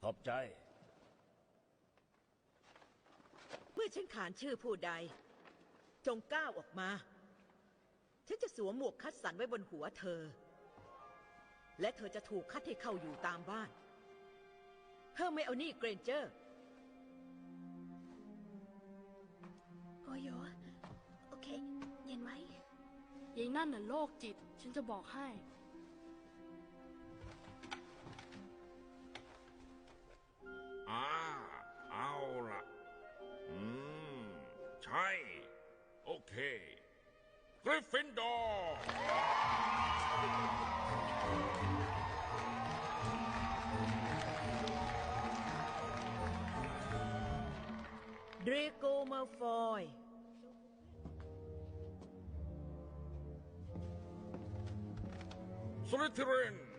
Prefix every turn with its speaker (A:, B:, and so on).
A: ขอบใจ
B: เมื่อฉันขานชื่อผู้ใดจงก้าวออกมาฉันจะสวมหมวกคัดสรรไว้บนหัวเธอและเธอจะถูกคัดให้เข้าอยู่ตามบ้านเฮอร์ไมโอนี่เกรนเจอร์
C: โอโยโอเคเย็นไหม
D: ยายนั่นน่ะโรคจิตฉันจะบอกให้
E: เอาล่ะใช่ โอเคกริฟฟินดอร์
B: เดรโกมาฟอย
E: สลิธีริน